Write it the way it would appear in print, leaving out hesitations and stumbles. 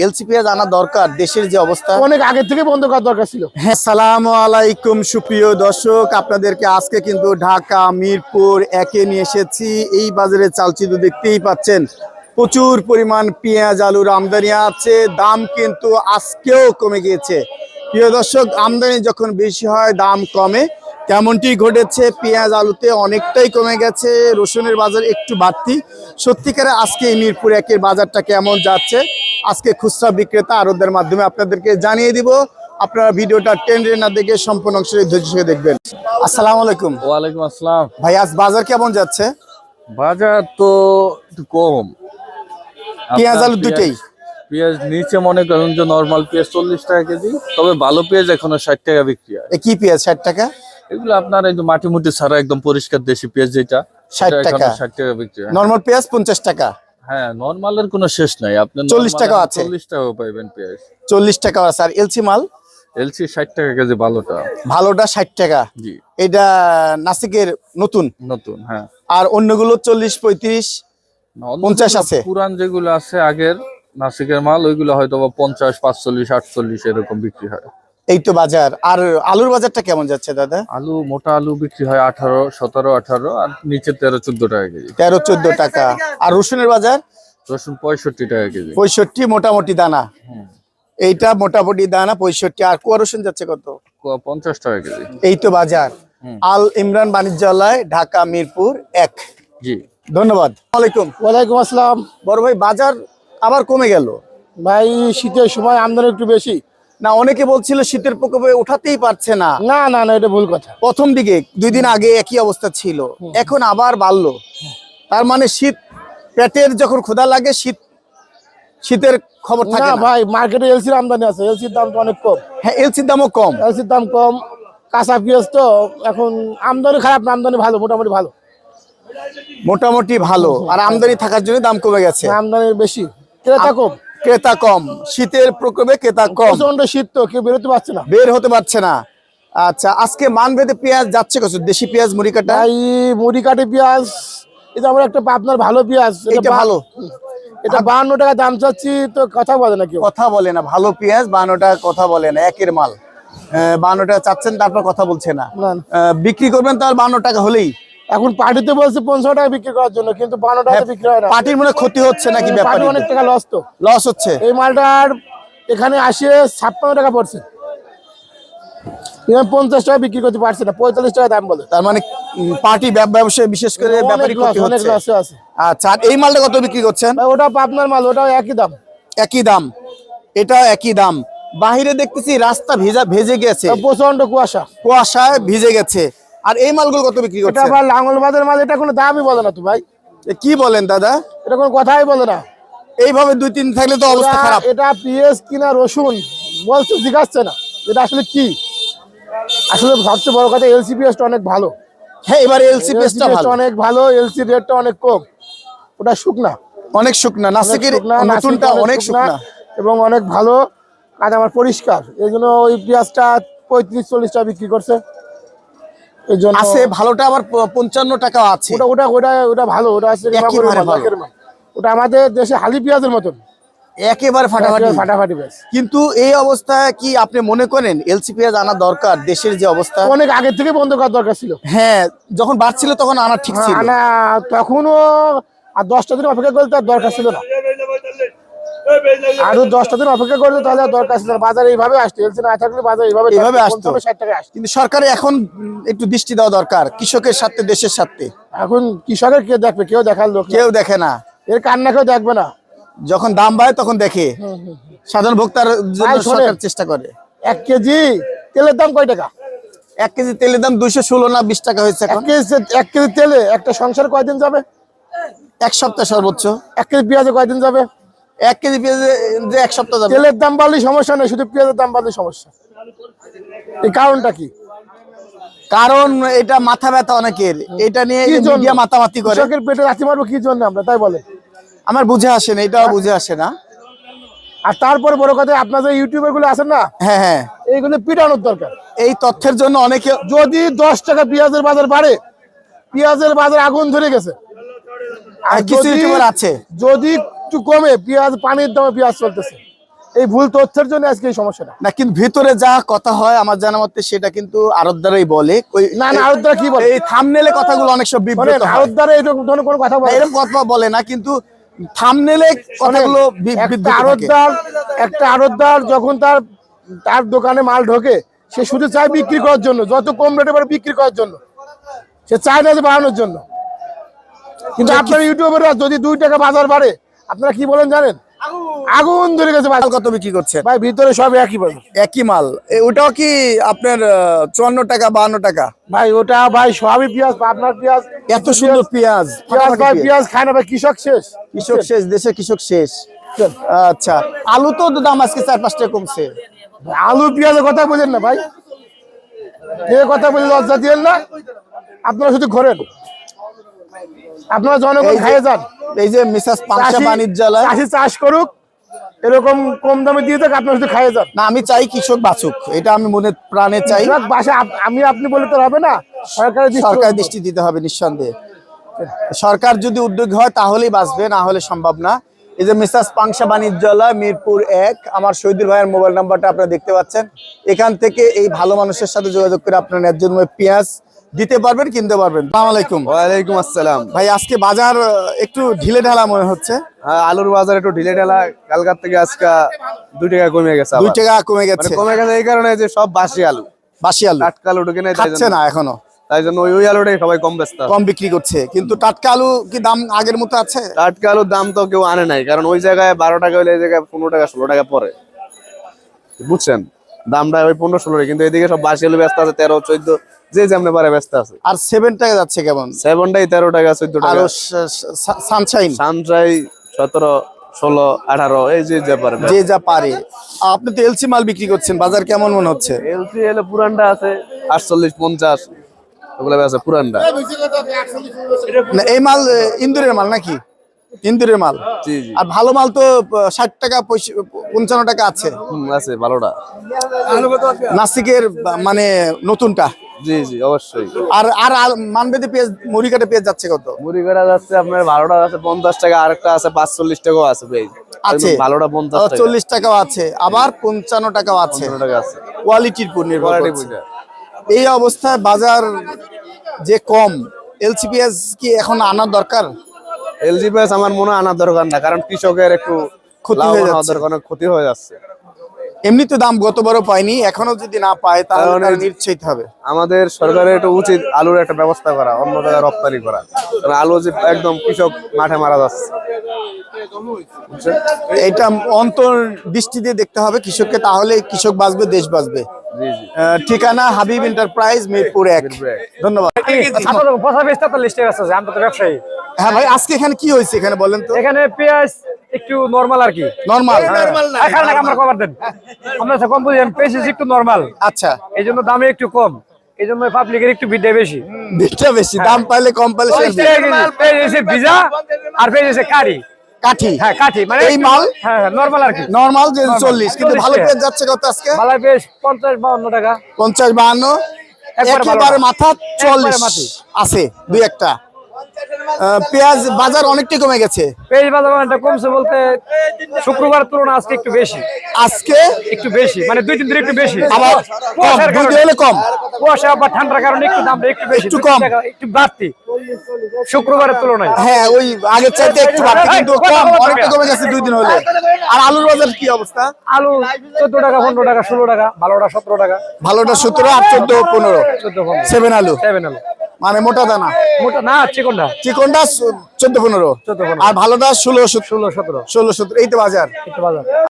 LC পেঁয়াজ আনা দরকার, দেশের যে অবস্থা অনেক আগে থেকে বন্ধ করার দরকার ছিল। হ্যাঁ, আসসালামু আলাইকুম সুপ্রিয় দর্শক, আপনাদেরকে আজকে কিন্তু ঢাকা মিরপুর একে নিয়ে এসেছি। এই বাজারে চালচিত্র দেখতেই পাচ্ছেন, প্রচুর পরিমাণ পেঁয়াজ আলুর আমদানি আছে, দাম কিন্তু আজকেও কমে গিয়েছে। প্রিয় দর্শক, আমদানি যখন বেশি হয় দাম কমে, তেমনটি ঘটেছে। পেঁয়াজ আলুতে অনেকটাই কমে গেছে, রসুনের বাজার একটু বাড়তি। সত্যিকারে আজকে এই মিরপুর একের বাজারটা কেমন যাচ্ছে আজকে খুচরা বিক্রেতা আড়তদের মাধ্যমে আপনাদেরকে জানিয়ে দিব। আপনারা ভিডিওটা টেনে না দেখে সম্পূর্ণ অংশ ধৈর্য সহকারে দেখবেন। আসসালামু আলাইকুম। ওয়ালাইকুম আসসালাম। ভাই, আজ বাজার কেমন যাচ্ছে? বাজার তো একটু কম, পেঁয়াজ আলু দুটেই। পেঁয়াজ নিচে মনে করেন যে নরমাল পেঁয়াজ 40 টাকা কেজি, তবে ভালো পেঁয়াজ এখনো 60 টাকা বিক্রি হয়। কি পেঁয়াজ 60 টাকা? এগুলো আপনার একদম মাটি মুটি ছাড়া একদম পরিষ্কার দেশি পেঁয়াজ, যেটা 60 টাকা। 60 টাকা বিক্রি হয়। নরমাল পেঁয়াজ 50 টাকা। হ্যাঁ, নরমালের কোনো শেষ নাই। আপনি 40 টাকা আছে, 40 টাকাও পাইবেন পেঁয়াজ। 40 টাকা আছে। আর এলসি মাল? এলসি 60 টাকা কেজি ভালোটা। ভালোটা 60 টাকা। জি, এটা নাসিকের নতুন। নতুন, হ্যাঁ। আর অন্যগুলো 40, 35, 50 আছে। পুরান যেগুলো আছে আগের নাসিকের মাল, ওইগুলো হয়তো 50, 45, 48 এরকম বিক্রি হয়। এই তো বাজার। আর আলুর বাজারটা কেমন যাচ্ছে দাদা? আলু, মোটা আলু বিক্রি হয় 18, 17, 18, আর নিচে 13, 14 টাকা কেজি। 13, 14 টাকা। আর রসুনের বাজার? রসুন 65 টাকা কেজি। 65 মোটামুটি দানা। এইটা মোটামুটি দানা 65। আর কুয়া রসুন যাচ্ছে কত? 50 টাকা কেজি। এই তো বাজার। আল ইমরান বাণিজ্যালয়, ঢাকা মিরপুর 1। জি, ধন্যবাদ। ওয়ালাইকুম। ওয়ালাইকুম আসসালাম। বড় ভাই, বাজার আবার কমে গেল ভাই, শীতের সময় আমদানি একটু বেশি। না, অনেকে বলছিল শীতের প্রকোপে উঠাতেই পারছে না। না না না, এটা ভুল কথা। প্রথম দিকে 2 দিন আগে একই অবস্থা ছিল, এখন আবার বাড়লো। তার মানে শীত, পেটের যখন ক্ষুধা লাগে শীতের খবর থাকে না না। ভাই, মার্কেটে এলসির আমদানি আছে, এলসির দাম তো অনেক কম। হ্যাঁ, এলসির দামও কম। এলসির দাম কম, কাঁচা পেঁয়াজ তো এখন আমদানি খারাপ না, আমদানি ভালো, মোটামুটি ভালো। মোটামুটি ভালো। আর আমদানি থাকার জন্য দাম কমে গেছে। আমদানি বেশি, ক্রেতা কম। ক্রেতা কম, শীতের প্রকোপে ক্রেতা কম। প্রচন্ড শীত তো, কেউ বেরোতে পারছে না, বের হতে পারছে না। আচ্ছা, আজকে মানভেদে পেঁয়াজ যাচ্ছে কত? দেশি পেঁয়াজ মুড়ি কাটা? ভাই মুড়ি কাঠি পেঁয়াজ, এটা আমার একটা আপনার ভালো পেঁয়াজ, এটা ভালো। এটা 52 টাকা দাম চাচ্ছি, তো কথা বলে না কেউ। কথা বলে না, ভালো পেঁয়াজ 52 টাকা কথা বলে না, একের মাল। 52 টাকা চাচ্ছেন, তারপর কথা বলছে না। না। বিক্রি করবেন তার 52 টাকা হলেই। এখন পার্টিতে বলছে 50 টাকা বিক্রি করার জন্য, কিন্তু 52 টাকা বিক্রি হয় না। পার্টির মনে ক্ষতি হচ্ছে নাকি? পার্টি ব্যাপারে অনেক টাকা লস তো, লস হচ্ছে। এই মালটার এখানে আসে 56 টাকা পড়ছে, 50 টাকা বিক্রি করতে পারছে না, 45 টাকা দাম বলে। তার মানে পার্টি ব্যবসায় বিশেষ করে ব্যাপারী ক্ষতি অনেক হচ্ছে। লসে আছে। আচ্ছা, আর এই মালটা কত বিক্রি করছেন? ভাই, ওটা পাবনার মাল, ওটাও একই দাম। একই দাম, এটা একই দাম। বাহিরে দেখতেছি রাস্তা ভেজে গেছে, প্রচন্ড কুয়াশা, কুয়াশায় ভিজে গেছে। আর এই মালগুলো কত বিক্রি এটা করছেন? আবার লাঙ্গলবাদের মাল, এটা কোনো দামই বলে না তো ভাই। কি বলেন দাদা? এটা কোনো কথাই বলে না। এইভাবে 2-3 থাকলে তো অবস্থা খারাপ। এটা পেঁয়াজ কিনা রসুন বলছে, জিজ্ঞাসছে না এটা আসলে কি। আসলে সবচেয়ে বড় কথা, এলসি পেঁয়াজটা অনেক ভালো। হ্যাঁ, এবার এলসি পেঁয়াজটা ভালো, অনেক ভালো। এলসি রেটটা অনেক কম, ওটা শুকনা, অনেক শুকনা। নাসিকের নতুনটা অনেক শুকনা এবং অনেক ভালো কাজ, আমার পরিষ্কার। এই জন্য ওই পেঁয়াজটা 35-40 টাকা বিক্রি করছে। এই জন্য আছে ভালোটা আবার 55 টাকা আছে। ওটা ওটা ওটা ওটা ভালো, ওটা আছে ওটা আমাদের দেশে হালি পেঁয়াজের মতন, একেবারে ফাটাফাটি পেঁয়াজ। কিন্তু এই অবস্থায় কি আপনি মনে করেন এলসি পেঁয়াজ আনা দরকার? দেশের যে অবস্থা, অনেক আগে থেকে বন্ধ করার দরকার ছিল। হ্যাঁ, যখন বাড়ছিল তখন আনা ঠিক ছিল। আনা তখনও, আর 10টা দিন অপেক্ষা করতে তার দরকার ছিল না, আরো 10টা দিন অপেক্ষা করতে তাহলে দরকার ছিল না। বাজারে এইভাবে আসতো, এলসি না থাকলে বাজারে এইভাবে আসতো, 60 টাকা আসতো। কিন্তু সরকারের এখন একটু দৃষ্টি দেওয়া দরকার কৃষকের সাথে, দেশের সাথে। এখন কৃষকের কে দেখবে? কেউ দেখার লোক, কেউ দেখে না। এর কান্না কেউ দেখবে না। যখন দাম বাড়ে তখন দেখে, সাধারণ ভোক্তার জন্য সরকার চেষ্টা করে। 1 কেজি তেলের দাম কয় টাকা? 1 কেজি তেলের দাম 216 না 20 টাকা হয়েছে এখন। 1 কেজি তেলে একটা সংসার কয়দিন যাবে? 1 সপ্তাহ সর্বোচ্চ। 1 কেজি পেঁয়াজে কয়দিন যাবে? 1 কেজি পেঁয়াজে যে 1 সপ্তাহ যাবে। তেলের দাম বাড়লেই সমস্যা নেই, শুধু পেঁয়াজের দাম বাড়লেই সমস্যা। এই কারণটা কি? কারণ এটা মাথা ব্যথা অনেকের, এটা নিয়ে মিডিয়া মাতামাতি করে। কৃষকের পেটে লাথি মারবো কি জন্য আমরা, তাই বলে? আমার বুঝে আসে না, এটাও বুঝে আসে না। আর তারপরে বড় কথা, আপনার যে ইউটিউবার গুলো আছেন না, হ্যাঁ হ্যাঁ, এইগুলো পিটানোর দরকার। এই তথ্যের জন্য অনেকে, যদি 10 টাকা পেঁয়াজের বাজার বাড়ে, পেঁয়াজের বাজার আগুন ধরে গেছে। আর কিছু ইউটিউবার আছে, যদি একটু কমে, পেঁয়াজ পানির দামে পেঁয়াজ চলতেছে। এই ভুল তথ্যের জন্য আজকে এই সমস্যাটা। না কিন্তু ভিতরে যা কথা হয় আমার জানা মতে সেটা কিন্তু আড়তদারই বলে। না আরবদার কি বলে, এই থাম্বনেলে কথাগুলো অনেক সব বিব্রত হয়। আরবদার এরকম ধরনের কোনো কথা না, বলে এরকম কথা বলে না, কিন্তু থাম্বনেলে কথাগুলো একটা আড়তদার যখন তার দোকানে মাল ঢোকে, সে শুধু চায় বিক্রি করার জন্য, যত কম রেটে পারে বিক্রি করার জন্য, সে চায় না যে বাড়ানোর জন্য। কিন্তু আপনার ইউটিউবের যদি 2 টাকা বাজার বাড়ে, আপনারা কি বলেন জানেন? আগুন ধরে গেছে। মাল কত বিক্রি করছে ভাই ভিতরে সব একই বলে, একই মাল। ওটাও কি আপনার 54 টাকা 52 টাকা? ভাই ওটা ভাই সবই পেঁয়াজ, আপনার পেঁয়াজ, এত সুন্দর পেঁয়াজ, ভাই পেঁয়াজ খায় না ভাই, কৃষক শেষ, কৃষক শেষ, দেশে কৃষক শেষ। আচ্ছা, আলু তো দাম আজকে 4-5 টাকা কমছে। আলু পেঁয়াজের কথা বলেন না ভাই, কে কথা বলে লজ্জা দিয়েন না। আপনারা শুধু ঘোরেন, আপনারা জনগণ খাইয়ে যান। এই যে মিসাস পাংশা বাণিজ্যালয়, চাষি চাষ করুক, এরকম কম দামে দিয়ে থাক, আপনারা শুধু খাইয়ে যান। না আমি চাই কৃষক বাঁচুক, এটা আমি মনে প্রাণে চাই। বাসা আপনি বলে তো হবে না, সরকার দৃষ্টি দিতে হবে নিঃসন্দেহে। সরকার যদি উদ্যোগ হয় তাহলেই বাঁচবে, না হলে সম্ভব না। এই যে মিসাস পাংশা বাণিজ্যালয়, মিরপুর 1, আমার শহীদুল ভাইয়ের মোবাইল নাম্বারটা আপনারা দেখতে পাচ্ছেন। এখান থেকে এই ভালো মানুষের সাথে যোগাযোগ করে আপনার ন্যায্য মূল্যে পেঁয়াজ দিতে পারবেন, কিনতে পারবেন। আসসালামু আলাইকুম। ওয়ালাইকুম আসসালাম। ভাই আজকে বাজার একটু ঢিলে ঢালা মনে হচ্ছে। হ্যাঁ, আলুর বাজার একটু ঢিলে ঢালা, কালকার থেকে আজকে 2 টাকা কমে গেছে। 2 টাকা কমে মানে গেছে। কমে গেছে এই কারণে যে সব বাসি আলু, বাসি আলু টাটকা আলু ঢুকে নেই, খাচ্ছে না এখনো, তাই জন্য ওই আলুটাই সবাই কম ব্যস্ত। কম বিক্রি করছে। কিন্তু টাটকা আলু কি দাম আগের মতো আছে? টাটকা আলুর দাম তো কেউ আনে নাই, কারণ ওই জায়গায় 12 টাকা হলে এই জায়গায় 15 টাকা 16 টাকা পরে, বুঝছেন? দামটা ওই 15-16, কিন্তু এদিকে সব বাসি আলু ব্যস্ত আছে 13, 14, যে যেমনে পারে ব্যস্ত আছে। আর 7 টাকা যাচ্ছে কেমন? 7টাই 13 টাকা 14 আর টাকা। সানশাইন সানশাই 17, 16, 18, এই যে পারে। যে যা পারে। আপনি তো এলসি মাল বিক্রি করছেন, বাজার কেমন মনে হচ্ছে? এলসি এলে পুরানটা আছে 48, 50, ওগুলো আছে পুরানটা। না এই মাল ইন্দুরের মাল নাকি? ইন্দুরের মাল। জি জি, আর ভালো মাল তো 60 টাকা 55 টাকা আছে। আছে ভালোটা। নাসিকের মানে নতুনটা। জি জি, অবশ্যই। আর আর মানবেদে পেঁয়াজ, মুড়িকাটা পেঁয়াজ যাচ্ছে কত? মুড়ি কাটা যাচ্ছে আপনার 12টা আছে 50 টাকা, আরেকটা আছে 45 টাকাও আছে পেঁয়াজ। আছে ভালোটা 50 টাকা, 40 টাকাও আছে, আবার 55 টাকাও আছে। 15 টাকা আছে। কোয়ালিটির উপর নির্ভর কোয়ালিটি করছে। বুঝা। এই অবস্থায় বাজার যে কম, এলসি পেঁয়াজ কি এখন আনার দরকার? এলজি পেঁয়াজ আমার মনে হয় আনার দরকার না, কারণ কৃষকের একটু ক্ষতি হয়ে লাভবান হওয়ার যাচ্ছে। দরকার, অনেক ক্ষতি হয়ে যাচ্ছে। এমনি তো দাম গতবারও পায়নি, এখনো যদি না পায় তাহলে তার নিশ্চিত হবে। আমাদের সরকারের একটু উচিত আলুর একটা ব্যবস্থা করা, অন্য জায়গায় রপ্তানি করা, কারণ আলু যে একদম কৃষক মাঠে মারা যাচ্ছে। এটা অন্তর দৃষ্টি দিয়ে দেখতে হবে কৃষককে, তাহলে কৃষক বাঁচবে, দেশ বাঁচবে। জি জি। ঠিকানা হাবিব এন্টারপ্রাইজ, মিরপুর 1। ধন্যবাদ। ব্যবসায়ী। হ্যাঁ ভাই, আজকে এখানে কি হয়েছে এখানে বলেন তো? এখানে পেঁয়াজ একটু নরমাল আর কি, নরমাল। আমরা কভার দেন, আমরা কম বুঝেন, পেঁয়াজ একটু নরমাল, আচ্ছা, এই জন্য দামে একটু কম, এই জন্য পাবলিকের একটু বিদ্যা বেশি। বিটটা বেশি, দাম পাইলে কম পাইলে শেষ। পেঁয়াজ ভিজা আর পেঁয়াজ কারি, কাঠি। হ্যাঁ কাঠি, মানে এই মাল হ্যাঁ নরমাল আর কি। নরমাল যে 40, কিন্তু 40 ভালো টাকা। পেঁয়াজ যাচ্ছে কত আজকে? মালাই পেঁয়াজ 50-52 টাকা। 50-52, একবারে একেবারে ভালোটা। মাথা একবারে 40 মাটি। আছে, দুই একটা। পেঁয়াজ বাজার অনেকটাই কমে গেছে পেঁয়াজ বাজার কমছে বলতে শুক্রবার তুলনা আজকে একটু বেশি, আজকে, একটু বেশি মানে 2-3 দিন একটু বেশি। আবার কম, কুয়াশার দুই কারণে। দিন হলে কম। কুয়াশা বা ঠান্ডার কারণে একটু দামটা একটু বেশি, একটু 2-3 কম। টাকা একটু বাড়তি শুক্রবারের তুলনায়। হ্যাঁ, ওই আগের চাইতে একটু বাড়তি, কিন্তু কম, অনেকটা কমে গেছে 2 দিন হলে। আর আলুর বাজার কি অবস্থা? আলু 14 টাকা, 15 টাকা, 16 টাকা, ভালোটা 17 টাকা, ভালোটা 17, আর 14-15। 14-15। 7 আলু 7 আলু মানে মোটা দানা, মোটা না, চিকনটা চিকনটা 14-15, 14-15, আর ভালোটা 16-17। 16-17 16-17, এই তো বাজার। একটু বাজার।